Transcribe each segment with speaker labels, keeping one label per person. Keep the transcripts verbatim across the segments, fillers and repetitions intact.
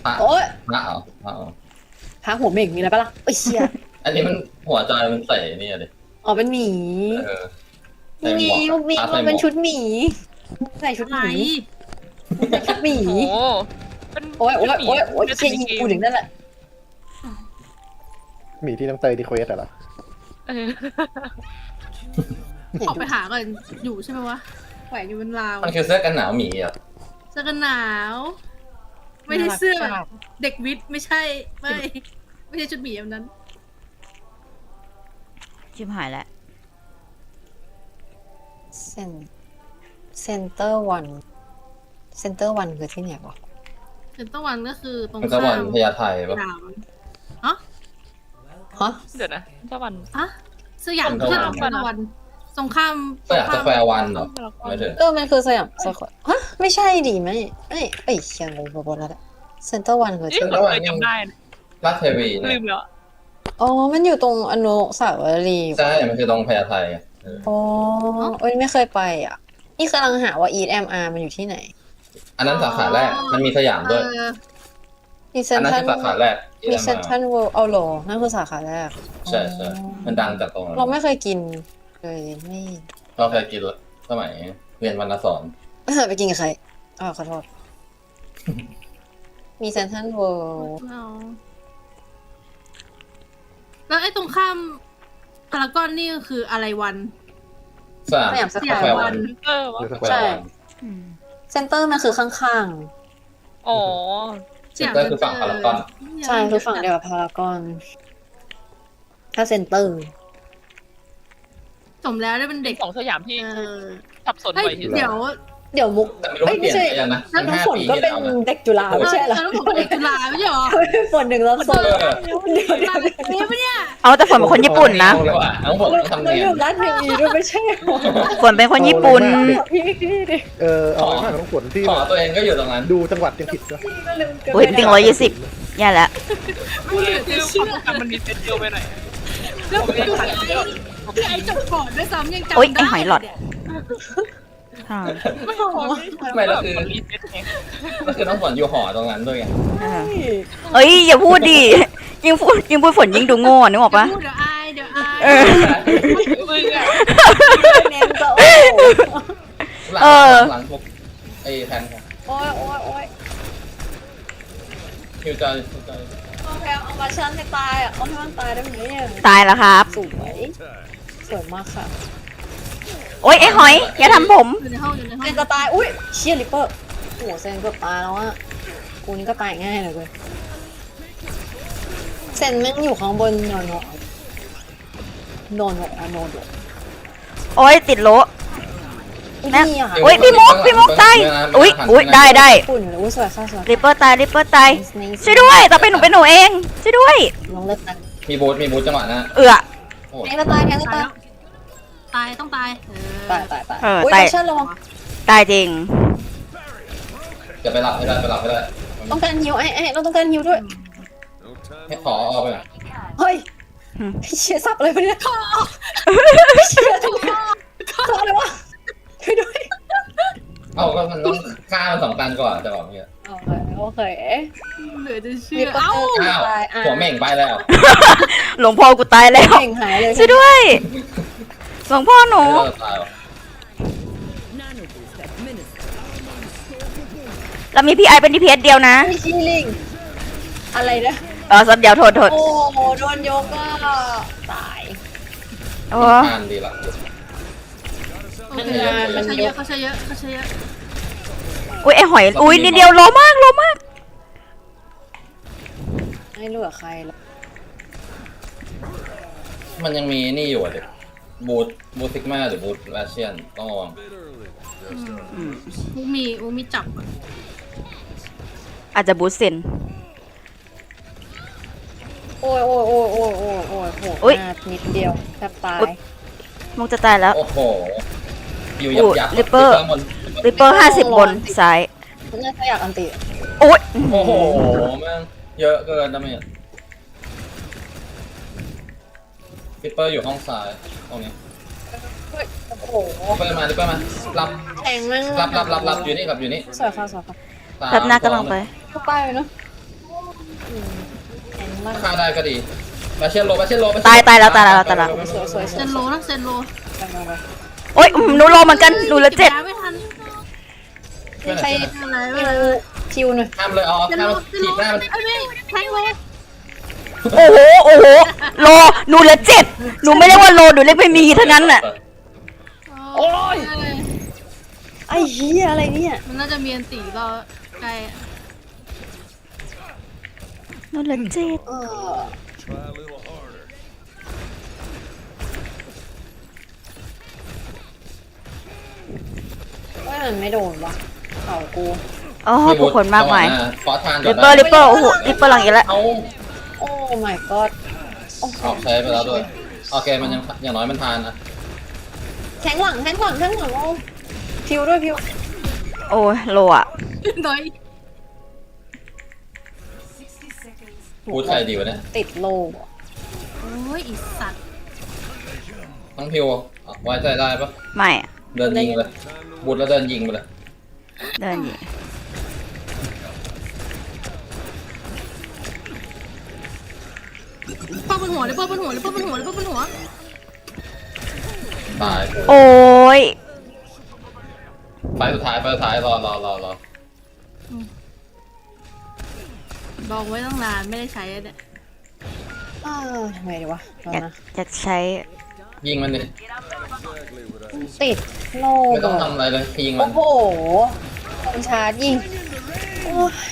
Speaker 1: พระ
Speaker 2: โอ๊ย
Speaker 1: พระเหรอพระเหรอ
Speaker 2: พระหัวเหม่งมีอะไรปะล่ะเอ้ยเชี่ย
Speaker 1: อันนี้มันหัวใจมันใส่นี่อะดิ
Speaker 2: อ๋อเป็นหมี
Speaker 1: เออใส่
Speaker 2: นี่
Speaker 1: ห
Speaker 2: ไง
Speaker 1: มวก
Speaker 2: มี
Speaker 1: พระ
Speaker 2: มั
Speaker 1: ใส่
Speaker 2: น
Speaker 1: หม
Speaker 2: เป็น
Speaker 1: วก
Speaker 2: ชุดหมีใส่ชุด
Speaker 3: ไห
Speaker 2: ห
Speaker 3: น
Speaker 2: มีใส่ชุดหมี
Speaker 3: โอ้โหเป็น
Speaker 2: โอ๊ยโอ๊ยโอ๊ยโอ๊ย
Speaker 3: เป็น
Speaker 2: เชี่ยยิงกูถึงนั่นแหละ
Speaker 4: หมีที่น้องเตยดีเควสเหรอ
Speaker 3: เออ
Speaker 2: เห็น
Speaker 5: ออก
Speaker 2: ดู
Speaker 5: ไปหาก่อนอยู่ใช่ไหมวะแขวนอยู่บนราว
Speaker 1: มันคือเสื้อกันหนาวหมีอ่ะ
Speaker 5: เสื้อกันหนาว ไม่ได้เสื้อแบบเด็กวิทย์ไม่ใช่ไม่ ไม่ใช่ชุดหมีแบบนั้น
Speaker 6: ชิบหายแล้ว
Speaker 2: เซนเซนเตอร์วันเซนเตอร์วันคือที่ไหนวะ
Speaker 5: เซ็นเตอร์วันก็คือตรง
Speaker 1: มันจะวัน
Speaker 5: ข้าม
Speaker 1: พญาไทปะ
Speaker 5: ดาว
Speaker 2: ฮะ
Speaker 3: เดี๋ยวนะตะวัน
Speaker 5: อะสยามเพื่อนเราเซ็นเตอร์วันสงคราม
Speaker 1: ก็อยากจะแควร์วันเหรอไม่ถึง
Speaker 2: เออมันคือสยามสแควร์ฮะไม่ใช่ดิไม่ไม่เอ้ยเชียงงงไปหมดแล้วแหละเซนเตอร์วันคือ
Speaker 3: เอ๊ะ
Speaker 2: ที่ไหน
Speaker 3: เราเคยจำได้นะ
Speaker 1: ราชเทวี
Speaker 3: ลื
Speaker 1: เนี่ย
Speaker 3: มแล้ว
Speaker 2: อ๋อมันอยู่ตรงอนุสาวรีย์
Speaker 1: ใช่มันคือตรงพญาไทอะเออ
Speaker 2: อ๋อเอ้ยไม่เคยไปอ่ะนี่กำลังหาว่า อี เอ็ม อาร์ มันอยู่ที่ไหน
Speaker 1: อันนั้นสาขาแรกมันมีสยาม
Speaker 5: เอ
Speaker 1: ด้วย
Speaker 5: อ
Speaker 2: มีเซ
Speaker 1: อั
Speaker 2: น
Speaker 1: นนั้น
Speaker 2: ทั
Speaker 1: คื
Speaker 2: น
Speaker 1: อสาขาแรกที่
Speaker 2: มี
Speaker 1: ได้
Speaker 2: เซน
Speaker 1: มา
Speaker 2: ทันเวิลด์เอาโหลนั่นคือสาขาแรก
Speaker 1: ใช่ใช่มันดังจากตรงนั้น
Speaker 2: เราไม่เคยกินเลยไม่
Speaker 1: เราเคยกินสมัยเรียนวรรณสอน
Speaker 2: เออไปกินกับใครอ๋อขอโทษ มีเซนทันเวิลด์
Speaker 5: เอาแล้วไอ้ตรงข้ามพารากอนนี่ก็คืออะไรวัน
Speaker 1: สยาม
Speaker 2: สยามส
Speaker 5: ส
Speaker 2: แค
Speaker 5: ยาม
Speaker 2: ร์
Speaker 5: วั
Speaker 2: วัน
Speaker 5: น
Speaker 3: เออวะ
Speaker 4: หรือสแค
Speaker 2: ใช่
Speaker 4: วร์
Speaker 6: อืม
Speaker 2: เซนเตอร์มันคือข้าง
Speaker 3: อ๋อ
Speaker 1: เซ็นเตอร์คือฝั่งพารากอน
Speaker 2: ๆ ใช่คือฝั่งเดียวกับพารากอน ถ้าเซนเตอร์
Speaker 5: สมแล้วได้เป็นเด็ก
Speaker 3: ของสยามที่
Speaker 5: เออ
Speaker 3: สับสน
Speaker 5: เฮ้ย
Speaker 3: บ่อยที่สุด
Speaker 5: เดี๋ยว
Speaker 2: เดี๋ยวมุก
Speaker 1: แต่ไม่รู้
Speaker 2: เอ้ย
Speaker 1: ว่าเปลี่
Speaker 2: ไม่
Speaker 1: ยน
Speaker 2: ใช่
Speaker 1: ไปยังนะ
Speaker 2: แล้ว
Speaker 1: มัน
Speaker 2: น้ำ
Speaker 1: ห้า
Speaker 2: ฝน
Speaker 1: ปี
Speaker 2: ก็
Speaker 1: ที่
Speaker 2: เป็น
Speaker 1: แล้วนะ
Speaker 2: เด็กจุฬาไม่ใช่เหรอ
Speaker 5: แล้วผมเด็กจุฬาไม่ใช่หรอ
Speaker 2: ฝนหนึ่งแล้วสอง
Speaker 1: เออ
Speaker 2: เดี๋ยวเดี๋ยว
Speaker 5: เด็กปะเนี่ย
Speaker 6: เอาแต่ฝนเป็นคนญี่ปุ่นนะ
Speaker 1: เอาเลยว่ะทั้งหมดต้องทำ
Speaker 2: เรา
Speaker 1: เนีย
Speaker 2: อน ยู่ร้านเทวีด้วยไม่ใช่เหรอ
Speaker 6: ฝนเป็นคนญี่ปุ่น
Speaker 2: พี่พี่ดิ
Speaker 4: เออเอาไปมากน้องฝนที่
Speaker 1: ขอตัวเองก็อยู่ตรงนั้น
Speaker 4: ดูจังหวัดยังผิดด้วย
Speaker 2: พี่ก็ลืมเกิน
Speaker 6: อุ้ยติงร้อยยี่สิบแย่แล้ว
Speaker 3: ไม่เหลือคือความทรงจำมันมีเซตเดียวไปหน่อย
Speaker 5: แล้วคือไอ้คือไอ้จบก่อนด้วยซ้ำยังจำ
Speaker 6: โอ๊ย
Speaker 5: ได้
Speaker 6: ไอ้หอยหลอด
Speaker 5: เนี่ย
Speaker 6: ค่ะ
Speaker 3: ไม่พอไม่แล้วคือมันรีเซ็ตไง
Speaker 1: ก็คือต้องฝนอยู่หอตรงนั้นด้วยไง
Speaker 6: เออเอ้ยอย่าพูดดิยิ่งพูดยิ่งพูดฝนยิ่งดูโง่นึกออกปะ
Speaker 5: เดี๋ยวพูดเดี๋ยวอายเดี๋ยวอาย
Speaker 6: เออ
Speaker 3: มึงอะ
Speaker 2: เนมก็โอ้
Speaker 1: หลัง
Speaker 6: เออ
Speaker 1: หลังพวกไอ้แทน
Speaker 2: โอ้ยโอ้ยโอ้ย
Speaker 1: คิวจอยคิวจอย
Speaker 2: เอาแพลเอามาชันให้ตายอ่ะเอาให้มันตายได้ไหมเนี่ย
Speaker 6: ตายแล้วครับ
Speaker 2: สวยสวยมากค่ะ
Speaker 6: โอ๊ยไอ้หอยอย่าทำผม
Speaker 5: อยู่ในห้องอยู่ในห้อ
Speaker 2: เซ
Speaker 5: ง
Speaker 2: นจะตายอุ้ยเชียริปเปอร์โอ้โหเซนเกือบตายแล้วอ่ะกูนี่ก็ตายง่ายเลยเว้ยเซนแม่งอยู่ข้างบนโนโนโนโนโนโน
Speaker 6: โอ๊ยติดโล แม่
Speaker 2: นี่อ่ะ
Speaker 6: อุ๊ยพี่มุกพี่มุกตายอุ๊ยอุ๊ยได้ได้
Speaker 2: ฝุ่นเลยอุ้ยสวยค่ะสวย
Speaker 6: ริปเปอร์ตายริปเปอร์ตายช่วยด้วยต่อไปหนูเป็นหนูเองช่วยด้วย
Speaker 2: ลองเลิกกัน
Speaker 1: มีบูทมีบูทจังหวะนะ
Speaker 6: เอือ
Speaker 1: โอ้
Speaker 2: แทงจะตายแทงจะ
Speaker 5: ตาย
Speaker 2: ตาย
Speaker 5: แล้วตายต้องตายเออ
Speaker 2: ตายตายตาย
Speaker 6: เออ
Speaker 2: อุ้ย
Speaker 6: ตาย
Speaker 2: แอคชั่นระวัง
Speaker 6: ตายจริง
Speaker 1: จะไปหลับให้ได้ไปหลับให้ได้
Speaker 2: ต้องการฮิวไอ้ไอ้เราต้องการฮิวด้วย
Speaker 1: ให้ขอเอาไปหน่อย
Speaker 2: เฮ้ย
Speaker 6: อืม
Speaker 2: เชียร์สับอะไรไปเนี่ยเชียร์ทุกข้อข้ออะไรวะช่วยด้วย
Speaker 1: เอาก็มันต้องฆ่ามันสองตันก่อนจะบอกเนี่ย
Speaker 2: โอเคโอเค
Speaker 5: เหลือจะเชื่
Speaker 2: มี
Speaker 5: อ
Speaker 2: ก็
Speaker 5: เอ้า
Speaker 2: เจอ
Speaker 1: อ้าว
Speaker 2: ตายอ่ะ
Speaker 1: หัวเหม่งไปแล้ว
Speaker 6: หลวงพ่อกูตายแล้ว
Speaker 2: เก่งหายเลย
Speaker 6: ช่วยด้วยหลวงพ่อหนู
Speaker 1: เออตายว่ะ
Speaker 6: เรามีพี่ไอเป็นดีพีเอสเดียวนะ
Speaker 2: ไม่ชี้ลิงอะไรนะ
Speaker 6: เออสับเดียวโทษโทษ
Speaker 2: โอ้โหโดนโยกก็ตาย
Speaker 6: โอ้
Speaker 1: อ่านดีละ
Speaker 5: โอเคเขาใช้เยอะเขาใช้เยอะเขาใช้เยอะ
Speaker 6: อุ้ยไอหอยอุ้ยนิดเดียวโลมากโลมาก
Speaker 2: ไม่เหลือใครแล้ว
Speaker 1: มันยังมีนี่อยู่อ่ะเด็กบูทบูทซิกมาหรือบูทราเชียนต้องระวัง
Speaker 5: มูมีมูมีจับอะ
Speaker 6: อาจจะบูสเซน
Speaker 2: โอ้ยโอ้ยโอ้ยโอ้ยโอ้ยโอ้ยโห
Speaker 6: อุ๊ย
Speaker 2: หน้านิดเดียวแทบตาย
Speaker 6: มุกจะตายแล้ว
Speaker 1: โอ้โหอยู่ยับยับ
Speaker 6: ลิปเปอร์
Speaker 1: บน
Speaker 6: ริปเปอร์ห้าสิบบนซ้าย
Speaker 2: น่าจะอยากอันติ
Speaker 6: โอ๊ย
Speaker 1: โอ้โหแม่งเยอะเกินนะเมียลิปเปอร์อยู่ห้องซ้ายตรงนี้
Speaker 2: เฮ้ยโอ้โห
Speaker 1: ลิปเปอร์มาลิปเปอร์มารับ
Speaker 2: แทงแม่ง
Speaker 1: รับรับรับรับอยู่นี่กับอยู่นี่
Speaker 2: สวยค่ะสวยค่ะ
Speaker 1: สาม
Speaker 6: รับหน้ากำลังไป
Speaker 2: เข้าไปเลยเนาะล่าง
Speaker 1: ฆ่าได้ก็ดีมาเชียนโลมาเชียนโลมาเชีนโ
Speaker 6: ตายตายแล้วตายแล้วตายแล้ว
Speaker 2: สวยสวยส
Speaker 5: เซ
Speaker 2: วย
Speaker 5: นโลนะเซนโล
Speaker 2: ไปไปไป
Speaker 6: โอ๊ยหนูรอเหมือนกันหนูเหลือเจ็ด
Speaker 5: ก็บยาไม่ทัน
Speaker 2: ใคร
Speaker 5: อะไร
Speaker 2: คิ
Speaker 5: ไม่
Speaker 2: ว
Speaker 5: เป็นไร
Speaker 2: คิวหน่อย
Speaker 1: ห้ามเลยอ๋อ
Speaker 5: เซน
Speaker 1: ห้าม
Speaker 5: โลเซน
Speaker 1: ถี
Speaker 5: โล
Speaker 1: บหน้ามัน
Speaker 5: ไอ้ยไม่แทงโล
Speaker 6: โอ้โหโอ้โหรอหนูเหลือเจ็ดหนูไม่เรียกว่าโลหนูเรียกไม่มีเท่านั้นน่ะ
Speaker 2: โอ้ยไอ้เหี้ยอะไรเนี่ย
Speaker 5: มันน่าจะมีอันตีรอใกล้อะ
Speaker 6: หนูเหลือเจ็ด
Speaker 2: เออว่ามันไม่โดนวะเข่ากู
Speaker 6: อ๋อผู้คนมากมาย
Speaker 1: ขอทาน
Speaker 6: ริปเปอร์ริปเปอร์โอ้โหริปเปอร์หลังอีกแล้ว
Speaker 1: เอา
Speaker 2: โอ้ my god
Speaker 1: ออกใช้ไปแล้วด้วยโอเคมันยังอย่างน้อยมันทานนะ
Speaker 2: แทงหลังแทงหลังแทงหลังโอ้พิวด้วยพิว
Speaker 6: โอ้ยโลอะ
Speaker 5: น้อย
Speaker 1: พูดใครดีวะเนี่ย
Speaker 2: ติดโล
Speaker 5: โอ้ยอีสัตว์
Speaker 1: ทั้งพิวไว้ใจได้ปะ
Speaker 6: ไม่อะ
Speaker 1: เดินยิงเลยบุดแล้วเดินยิงไปเลย
Speaker 6: เดินยิง
Speaker 5: ป้าบนหัวเลยป้าบนหัวเลยป้าบนหัวเลยป้าบนหัว
Speaker 1: ตาย
Speaker 6: โอ้ย
Speaker 1: ไฟสุดท้ายไฟสุดท้ายรอรอรอรอ
Speaker 5: ดองไว้ตั้งนานไม่ได้ใช้อะเนี่ย
Speaker 2: เออทำไงดีวะรอ
Speaker 6: อยาก
Speaker 2: นะ
Speaker 6: อยากใช้
Speaker 1: ยิงมันดิ
Speaker 2: ติดโล
Speaker 1: ไม่ต้องทำอะไรเลยยิงมั
Speaker 2: โอ้
Speaker 1: น
Speaker 2: โหคมชาร์จยิงโอ้ย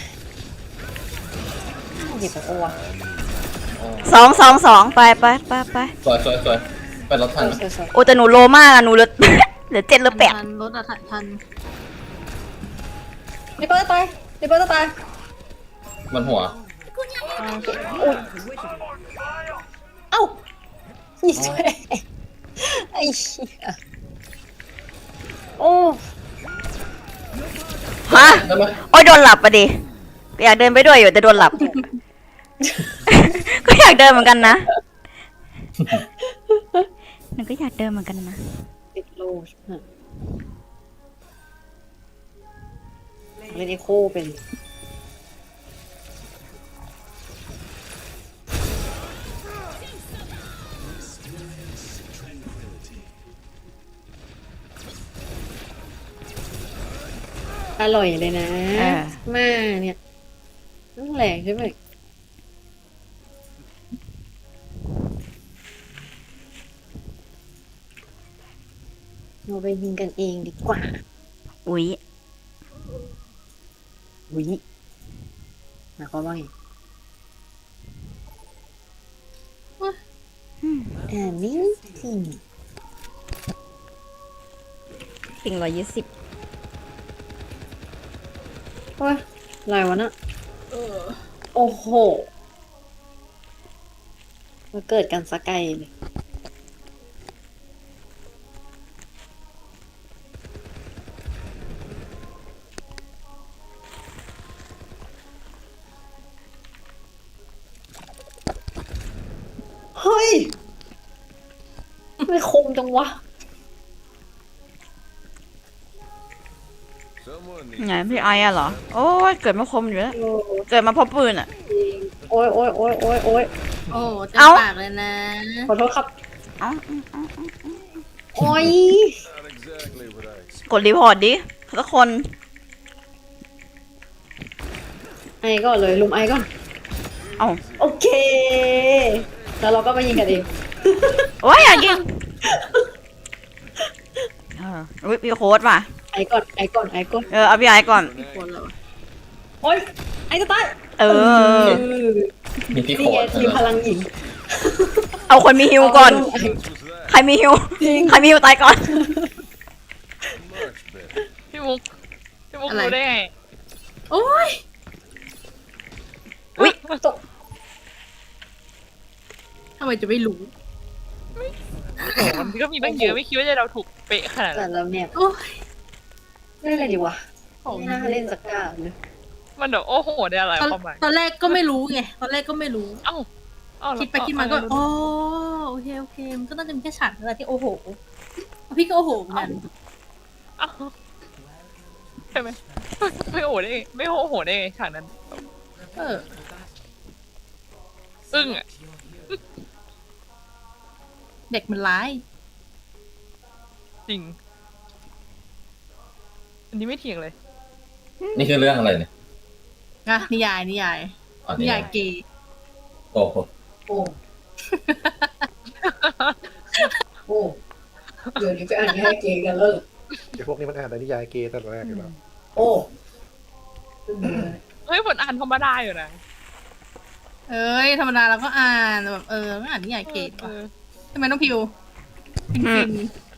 Speaker 2: หยิบไปโอ้วะ
Speaker 6: สองสองสองไปไปไปไป
Speaker 1: สวยสวยสวยไปรถทันไหม
Speaker 2: สวย
Speaker 6: โอ้แต่หนูโลมากอะหนูเหลือ เหลือเจ็ดเหลือแปด
Speaker 5: ทันรถอะทัน
Speaker 2: ๆริปเปอร์จะตายริปเปอร์จะตาย
Speaker 1: มันหัว
Speaker 2: อ่าโอเคอุ้ยเอ้ายิงช่วยไอ้เหี้ยโอ้
Speaker 6: ฮะ
Speaker 1: ได้ไหม
Speaker 6: โอ้ยโดนหลับปะดิอยากเดินไปด้วยอยู่แต่โดนหลับ ก็อยากเดินเหมือนกันนะหนูก็อยากเดินเหมือนกันนะ
Speaker 2: ติดโลใช่ไหมเล่นเอโคเป็นอร่อยเลยนะ
Speaker 6: เออ
Speaker 2: แม่เนี่ยนั่นแหละใช่ไหมเราไปยิงกันเองดีกว่า
Speaker 6: อุ๊ย
Speaker 2: วิหมายความว่าไงอันนี้สิ่ง
Speaker 6: ปิงร้อยยี่สิบ
Speaker 2: โอ้ยอะไรวะน่ะโอ้โหมาเกิดกันสกไกลเลยเฮ้ย ไม่คมจังวะ
Speaker 6: ไงพี่ไอ้อะเหรอ โอ้ยเกิดมาคมอยู่แล้ว
Speaker 2: โอ้
Speaker 6: เกิดมาเพราะปืนอะ
Speaker 2: โอ้ยโอ้ยโอ้ยโอ้ยโอ้ย
Speaker 5: โอ้จะ
Speaker 6: เอ้า
Speaker 5: ปากเลยนะ
Speaker 2: ขอโทษครับ
Speaker 6: เอ้า
Speaker 2: โอ้ย
Speaker 6: กดรีพอร์ตดิทุกคน
Speaker 2: ไอ้ก่อนเลยลุมไอ้ก่อน
Speaker 6: เอ้า
Speaker 2: โอเค แล้วเราก็มายิงกันเอง
Speaker 6: โอ้ยอยากยิงเอออุ๊ยพี่โค้ดว่ะ
Speaker 2: ไอ้ก่อนไอ้ก่อนไอ้ก่อน
Speaker 6: เออเอาพี่ไอ้ก่อน
Speaker 5: คนเรา
Speaker 2: โอ้ยไอ้จะตาย
Speaker 6: เออ
Speaker 1: มีพี่โค
Speaker 2: นี่ไง
Speaker 1: ตร
Speaker 2: ทีมพลังหญิง
Speaker 6: เอาคนมีฮิวก่อน ใครมีฮิว
Speaker 2: จริง
Speaker 6: ใครมีฮิวตายก่อน
Speaker 3: พี่มุกพี่มุกรู้ได้ไง
Speaker 5: โอ้ย
Speaker 6: อุ๊ย
Speaker 2: ตก
Speaker 5: ทำไมจะไม่รู้
Speaker 3: มันก็มีตั้งเยอะไม่คิดว่าจะเราถูกเป๊ะขนาด
Speaker 2: แต่
Speaker 3: นั้น
Speaker 2: เราเนี่ย
Speaker 5: โอ้ย
Speaker 2: เล่นอะไรดีวะ
Speaker 5: ของ
Speaker 2: ไม่น่าเล่นสักการเลย
Speaker 3: มันแบบโอ้โหได้อะไร
Speaker 5: ตอน
Speaker 3: ความหมาย
Speaker 5: ตอนแรกก็ไม่รู้ไงตอนแรกก็ไม่รู้
Speaker 3: เอ้าเอ้า
Speaker 5: คิดไปคิดมาก็อ๋อโอเคโอเคมันก็น่าจะมีแค่ฉากอะไรที่โอ้โหพี่ก็โอ้โหเหมือนกัน
Speaker 3: เอ้าใช่ไหมไม่โอ้โหได้ไงไม่โอ้โหได้ไงฉากนั้น
Speaker 5: เออ
Speaker 3: อึ้งอ่ะ
Speaker 5: เด็กมันร้าย
Speaker 3: จริง อันนี้ไม่เถียงเลย
Speaker 1: นี่คือเรื่องอะไรเนี่ย
Speaker 5: นะนิยายนิยาย
Speaker 1: อ๋อ
Speaker 5: นิ
Speaker 1: นี่
Speaker 5: ยายเกย์
Speaker 1: โอ้โห
Speaker 2: โอ้โอ้เดี๋ยวนี้ไปอ่านนิยายเกย์กันแล้วเหรอ
Speaker 4: ไอ้พวกนี้มันอ่านแต่นิยายเกย์ตั้งแต่แรกอยู่แล้ว
Speaker 2: โอ้
Speaker 3: เฮ้ยผลอ่านธรรมดาอยู่นะ
Speaker 5: เอ้ยธรรมดาเราก็อ่านแบบเออไม่อ่านนิยายเกย์
Speaker 3: เอ
Speaker 5: ว่ะ
Speaker 3: อ
Speaker 5: ทำไมต้องพิวฟิน
Speaker 6: อื
Speaker 5: ฟิ
Speaker 6: ม
Speaker 5: น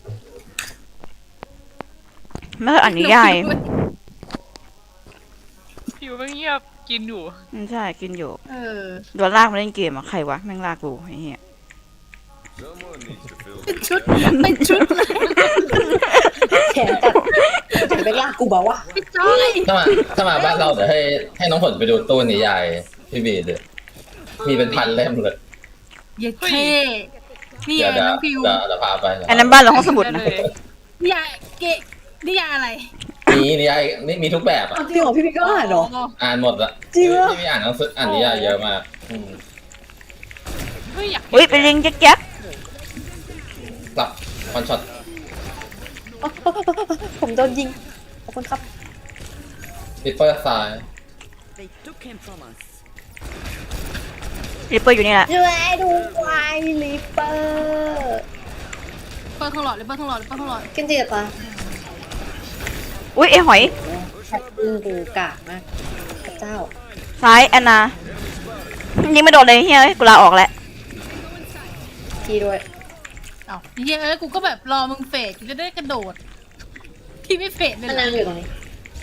Speaker 6: ไม่เคยอ่านนิยาย
Speaker 3: ผิวก็เงียบกินอยู่
Speaker 6: อืมใช่กินอยู่
Speaker 5: เออ
Speaker 6: โดนลากมาเล่นเกมอะใครวะแม่งลากกูไอ้เหี้ย
Speaker 5: เป็นชุดเป็นชุดเลย
Speaker 2: แขนตัดจะไปลากกูบอกว่า
Speaker 5: พี่จ้อย
Speaker 1: ถ้ามาถ้ามาบ้านเราเดี๋ยวให้ให้น้องผลไปดูตู้นิยายพี่บีเดี๋ยวมีเป็นพันเล่มเลย
Speaker 5: เย็ดเท่นี่ไง
Speaker 1: เดี๋ยวเดี๋ยว
Speaker 5: น้องพิว
Speaker 1: เดี๋ยวเดี๋ยวพาไป
Speaker 6: อันนั้นบ้านเราห้องสมุดนะ
Speaker 3: เลย
Speaker 5: นิยายเกย์นิยายอะไร
Speaker 1: มีนิยายนี่มีทุกแบบอ่ะ
Speaker 2: จริงเหรอพี่พี่ก็อ่านเหรอ
Speaker 1: อ่านหมดละ
Speaker 2: จริงเหรอ
Speaker 1: พี่มีอ่านหนังสืออ่านนิยายเยอะมากอืม
Speaker 3: เฮ้ยอยาก
Speaker 6: อุ้ยเป็นลิงแจ๊ก
Speaker 1: กลับวันช็อต
Speaker 2: ผมโดนยิงขอบคุณครับ
Speaker 1: ริปเปอร์ไซด์
Speaker 6: ๆริปเปอร์อยู่นี่แหละ
Speaker 2: ช่วยดูไวลิปเปอร์
Speaker 5: เปิดทองหลอดเลยเปิดทองหลอดเลยเปิดทองหลอด
Speaker 2: กินจีตา
Speaker 6: อุ้ยไอหอย
Speaker 2: แค่ปืนกูกากมากพระเจ้า
Speaker 6: ซ้ายแอนนายิงไม่โดนเลยเฮ้ยกูลาออกแล้ว
Speaker 2: พี่ด้วย
Speaker 5: เอ้าเฮ้ยเอ้ยกูก็แบบรอมึงเฟดกูจะได้กระโดด ที่ไม่เฟดเลย
Speaker 2: มัน
Speaker 5: เหร
Speaker 2: นา
Speaker 5: อง
Speaker 2: อยู่ตรงนี้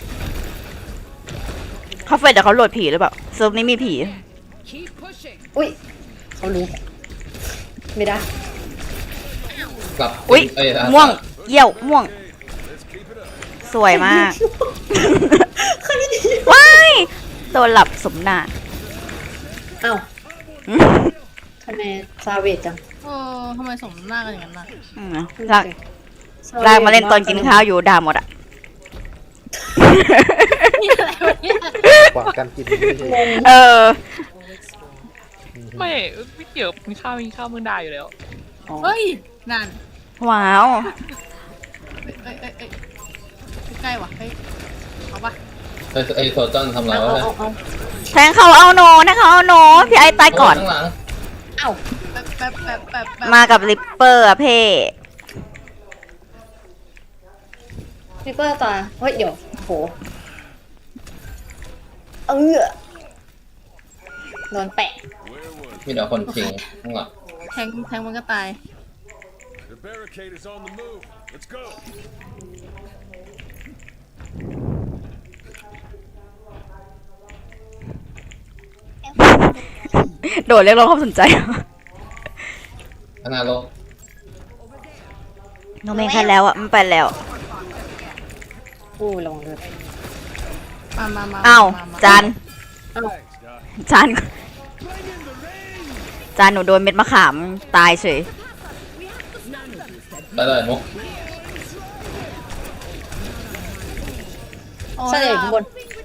Speaker 6: เขาเฟดแต่เขาโหลดผีหรือเปล่าเซิร์ฟนี้มีผี
Speaker 2: อุ้ยเขารู้ ไม่ได้
Speaker 1: กลับ
Speaker 6: อุ้ย
Speaker 1: เอ้ย
Speaker 6: ม่วงเยี่ยวม่วง สวยมากว้ายโดนหลับสมนา
Speaker 2: เอ้าทำไมซาเวจจัง
Speaker 5: เออทำไมสมหน้ากันอย่างนั้นล่ะ
Speaker 6: อืมลากลากมาเล่นตอนกินข้าวอยู่ด่าหมดอ่ะ
Speaker 5: นี่อะไรวะเนี่ย
Speaker 4: กว่าการกินไม่ใช่
Speaker 6: เออ
Speaker 3: ไม่ไม่เกี่ยวมีข้าวมีข้าวมึงได้อยู่แล้ว
Speaker 5: เฮ้ยนั่น
Speaker 6: ว้าว
Speaker 5: เอ้ยเอ้ยเอ้ยใกล้ๆว่ะเฮ้ยเอาปะ
Speaker 1: ไอ้ไอ้โซจอนทำไร
Speaker 2: เอา
Speaker 1: วะ
Speaker 2: เอาเอา
Speaker 6: แทงเขาเอาโนนะเขาเอาโนพี่ไอตายก่อน
Speaker 1: ข้างหลัง
Speaker 2: เอา
Speaker 5: แป๊บแป๊บแป๊บแป๊บแป๊บ
Speaker 6: มากับริปเปอร์อะเพ่
Speaker 2: ลิปเปอร์ตาเฮ้ยเดี๋ยวโหเออโดนแปะ
Speaker 1: มีแต่คนทิ้งข้างหลัง
Speaker 5: แทงแทงมันก็ตาย
Speaker 7: The barricade is on the move. Let's go.
Speaker 6: โดดเรียกร้องความสนใจ
Speaker 1: ข้างหน้าโลก
Speaker 6: โนเมนแค่แล้วอ่ะมันไปแล้ว
Speaker 2: อู้ลงเลย
Speaker 5: มามามา
Speaker 6: อ้าว
Speaker 5: มามา
Speaker 6: จาน
Speaker 2: เอ้า
Speaker 6: จานจานหนูโดนเม็ดมะขามตายเฉย
Speaker 1: ไปเลยมุก
Speaker 5: โอ้
Speaker 2: ใช่เลยข้างบน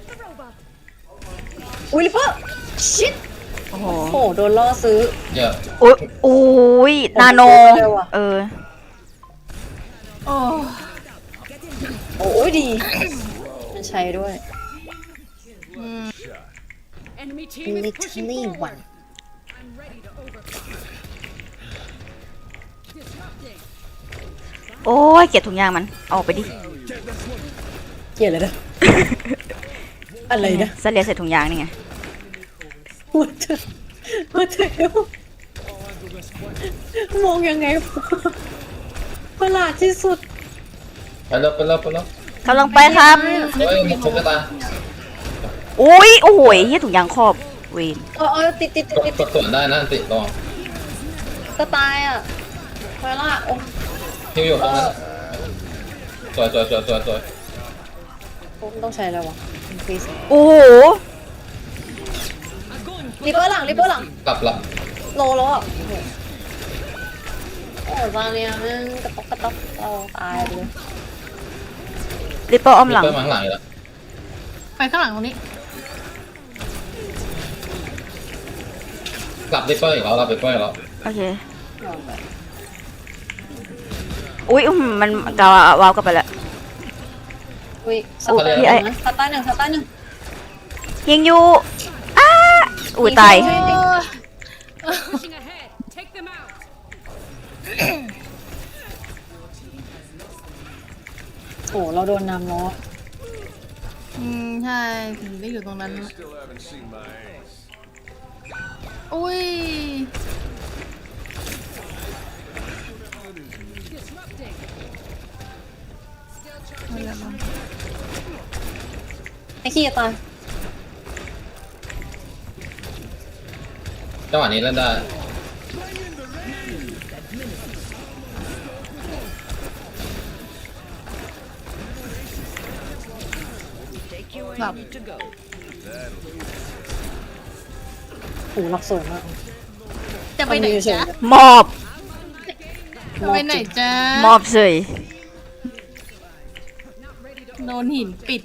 Speaker 2: อุ้ยลิปเปอร์ชิด
Speaker 6: โอ้โห
Speaker 2: โหโดนล่อซื้อ
Speaker 1: เยอะ
Speaker 6: อุ้ยอุ้ยนาโน
Speaker 2: เร็วอะ
Speaker 6: เออ
Speaker 5: โอ้
Speaker 2: โอ้ยดีมันใช้ด้วย
Speaker 5: อืม
Speaker 2: literally one
Speaker 6: โอ้ยเกลียดถุงยางมันเอาออกไปดิ
Speaker 2: เกลียดเลยนะ อะไรนะ
Speaker 6: เสลียใส่ถุงยางนี่ไง
Speaker 2: หัวเธอหัวเธอมองยังไงประหลาดที่สุด
Speaker 1: ไปแล้วไปแล้วไปแล้ว
Speaker 6: กำลังไปครับ
Speaker 1: เฮ้ยมุกทุบกระตา
Speaker 6: อุ้ยโอ้โหเฮียถุงยางครอบเวน
Speaker 2: เออเออติดติด
Speaker 1: กด
Speaker 2: ติด
Speaker 1: กดส่วนได้นะติดลอง
Speaker 2: ก็ตายอ่ะไปละโอ้
Speaker 1: ฮิวอยู่ตรงนั้นสวยสวยสวยสวยสวย
Speaker 2: ผมต้องใช้แล้ววะ increase
Speaker 6: โอ้โห
Speaker 2: ลิปเปอร์หลังลิปเปอร์หลัง
Speaker 1: กลับละ
Speaker 2: โลแล้วอ่ะโอ้โหโอ้ยตอนเนี้ยมันกระต๊อกกระต๊อกเราตายเลย
Speaker 6: ริปเปอร์อ้อมหลัง
Speaker 1: เปิดมาข้างหลังอีกแล้ว
Speaker 5: ไปข้างหลังตรงนี้
Speaker 1: กลับริปเปอร์อีกแล้วกลับริปเปอร์อีกแล้ว
Speaker 6: โอเคอุ้ยอื้อหือมันกาววาวกลับไปแล้ว
Speaker 2: อุ้ยสตาร์หนึ่งนะสตาร์หนึ่งสตาร์หนึ่ง
Speaker 6: ยิงอยู่อ้าอุ้ยตาย
Speaker 8: Pushing ahead. Take them out.
Speaker 2: โอ้เราโดนนำล้อ
Speaker 5: อืมใช่ถึงได้อยู่ตรงนั้น
Speaker 7: Still haven't seen my ace.
Speaker 5: อุ้ย
Speaker 2: ไอ้ขี้จะตาย
Speaker 1: จังหวะนี้เล่นได้
Speaker 5: แบบ
Speaker 2: โอ้หลับสวยมาก
Speaker 5: จะไปไหนจ๊ะ
Speaker 6: มอบ
Speaker 5: จะไปไหนจ๊ะ
Speaker 6: มอบเฉย
Speaker 5: โดนหินปิด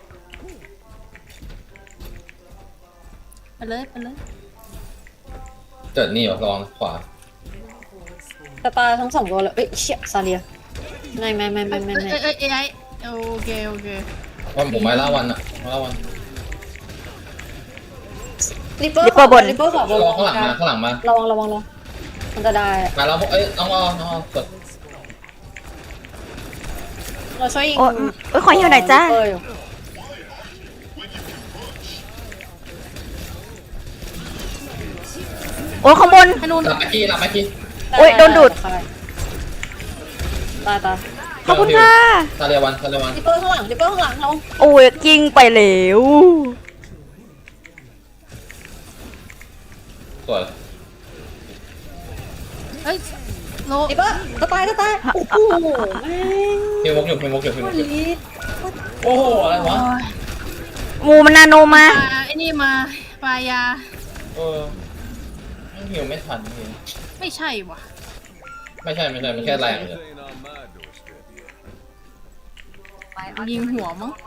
Speaker 5: ไปเลยไปเลย
Speaker 1: เจิดนี่วะลองขวา
Speaker 2: สตาร์ทั้งสองตัวเลยเอ้ยเชี่ยซาเลียไม่ไม่ไม่ไม่ไม่
Speaker 5: เอ้ย
Speaker 2: ไม่
Speaker 5: เอ้ยเอ้ยไอ้โอเคโอเค
Speaker 1: ว่าผมไม่ล่าวันอะไม่ล่าวัน
Speaker 2: ริปเปอร์ริปเปอร์ขอบ
Speaker 1: รอข้างหลังมาข้างหลังมา
Speaker 2: ระวังระวังระวังมันจะได้
Speaker 1: มาแล้วเอ้ยน้องรอน้องรอกด
Speaker 2: เราช่วยยิง
Speaker 6: โอ้ยโอ้ยขออยู่หน่อยจ้า
Speaker 2: ริปเปอร์อยู่
Speaker 6: โอ้ยข้างบน
Speaker 5: ให้นู่น
Speaker 1: หลับไปกี้หลับไปกี้
Speaker 6: โอ้ยโดนดูด
Speaker 2: ตายตาย
Speaker 6: ขอบคุณค่ะ
Speaker 1: ซาเรียวันซาเรียวัน
Speaker 2: ริปเปอร์ข้างหลังริปเปอร์ข้างหลังเรา
Speaker 6: โอ้ยกิ้งไปแล้ว
Speaker 1: สวย
Speaker 5: เอ้ยโล
Speaker 2: ริปเปอร์จะตายจะตายโอ้โหแม่ง
Speaker 1: พิมพ์มุกอยู่พิมพ์มุกอยู่พิมพ์มุกอยู่
Speaker 2: ลิส
Speaker 1: โอ้โหอะไรวะ
Speaker 6: หมูมันนาโนมา
Speaker 5: ปลาไอ้นี่มาปลายา
Speaker 1: เออไม่หิวไม่ทันจริง
Speaker 5: ไม่ใช่ว่ะ
Speaker 1: ไม่ใช่ไม่ใช่ไม่แค่แรงเลย
Speaker 7: This ain't on my doorstep yet.
Speaker 5: ยิงหัวมั้ง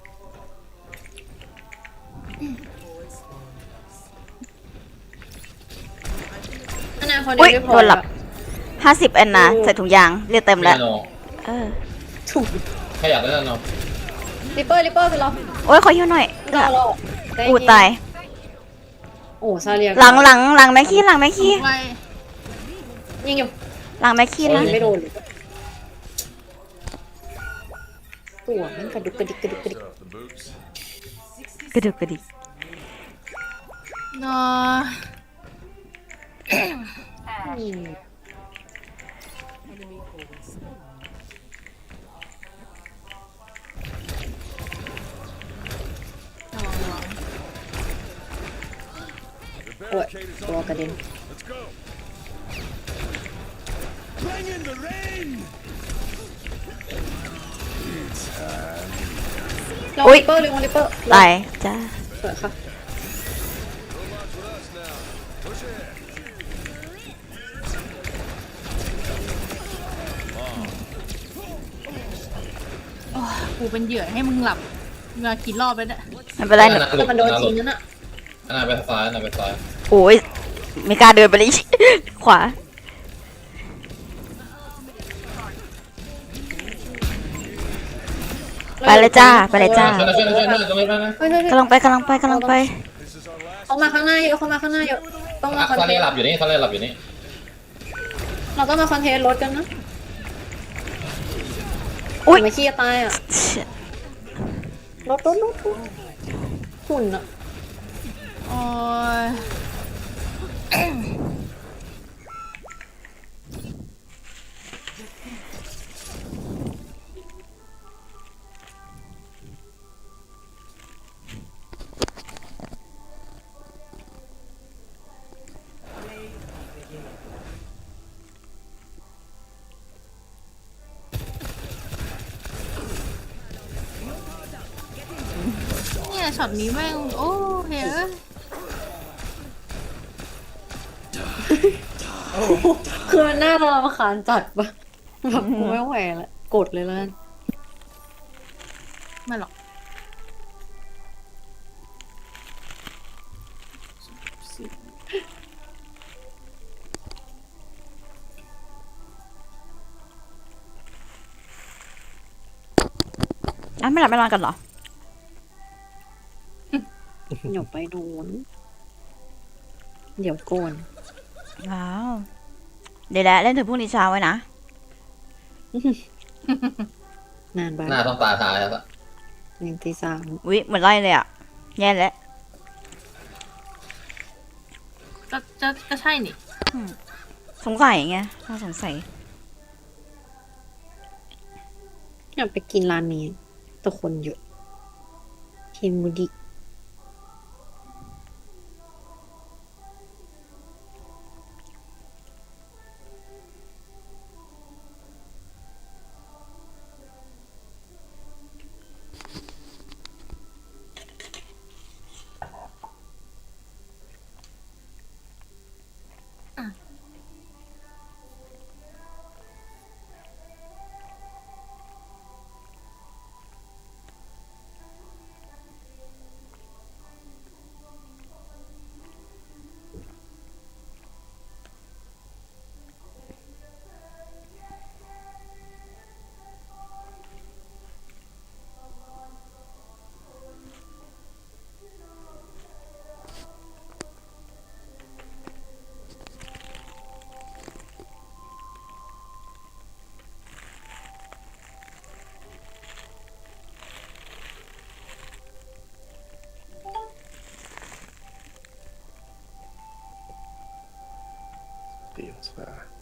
Speaker 2: อนาคต
Speaker 6: อุ๊ย
Speaker 2: ไม่พ
Speaker 6: โด
Speaker 2: อน
Speaker 6: หลับ ห้าสิบแอนนาใส่ถุงยางเรียกเต็ม
Speaker 1: ไม่
Speaker 6: แล้ว
Speaker 1: โน
Speaker 6: เออ
Speaker 2: ถูก
Speaker 1: แค่อยากเล่นโน
Speaker 2: ริปเปอร์ริปเปอร์คือเรา
Speaker 6: โอ้ยขออยู่หน่อย
Speaker 2: เราเรา
Speaker 6: อู้ตาย
Speaker 2: โอ้ซาเลีย
Speaker 6: หลังหลังหลังแม็กกี้หลังแม็กกี้
Speaker 5: ไป
Speaker 2: ยิงอยู่
Speaker 6: หลังแม็กกี้นะ
Speaker 2: ไม่โดนเลยตัวมันกระดุกกระดิกกระดิกกระดิก
Speaker 7: Off the boots.
Speaker 6: กระดึกกระดิก
Speaker 5: เนาะ
Speaker 2: อืม
Speaker 5: ระวังระวัง
Speaker 7: The
Speaker 2: โอ้ย
Speaker 7: barricade is
Speaker 2: ตัว
Speaker 7: on
Speaker 2: กระเด็น
Speaker 7: Let's go. Bring in the rain.
Speaker 2: ลองริปเปอร์ลองริปเปอร์
Speaker 6: ตายจ้า
Speaker 2: เปิดค่ะ
Speaker 7: Robots with us now. Push ahead.
Speaker 5: โอ้ยกูเป็นเหยื่อให้มึงหลับมากี่รอบแล้วเนี่ย
Speaker 6: ไม่เป็นไรหนู
Speaker 2: แต่มันโดนจริงนั่นน่ะ
Speaker 1: อันนั้นไปซ้ายอันนั้นไปซ้าย
Speaker 6: โอ้ยไม่กล้าเดินไปเลย ขวา ไปเลยจ้าไปเลยจ้า
Speaker 1: ช่วยหน่อยช่วยหน่อยช่วยหน่อยตรงนี้ไปนะ
Speaker 2: เฮ้ยเฮ้ยเฮ้ย
Speaker 6: กำลังไปกำลังไปกำลังไป
Speaker 7: This is our last.
Speaker 2: เขามาข้างหน้าเยอะเขามาข้างหน้าเยอะต้องมาคอน
Speaker 1: ซา
Speaker 2: เท
Speaker 1: เรีย
Speaker 2: น
Speaker 1: หลับ
Speaker 2: ต์
Speaker 1: อยู่นี่ซาเรียหลับอยู่นี่
Speaker 2: เราต้องมาคอนเทนต์รถกันนะ
Speaker 6: อุ๊ย
Speaker 2: ไม่ขี้จะตายอ่ะรถรถรถรถหุ่นอ่ะ
Speaker 5: โอ้ยเนี่ยช็อตนี้แม่ง โอ้เฮ้ย
Speaker 2: คือมันน่ารำคาญจัดปะแบบกูไม่ไหวละกดเลยแล้วกัน
Speaker 5: ไม่หรอก
Speaker 6: อ่ะไม่หลับไม่นอนกันเหรอ
Speaker 2: เดี๋ยวไปโดนเดี๋ยวโกน
Speaker 6: ว้าว เดี๋ยวแหละเล่นถึงพรุ่งนี้เช้าไว้นะ
Speaker 2: นานไป
Speaker 1: หน้าต้องตาตายแล้วปะ
Speaker 2: ยังตีสาม
Speaker 6: วิเหมือนไล่เลยอ่ะ แย่แล้ว
Speaker 5: ก็จะก็ใช่นี่
Speaker 6: สงสัยไงถ้าสงสัย
Speaker 2: อยากไปกินร้านนี้แต่คนเยอะเฮมูดิ
Speaker 4: ตีองศา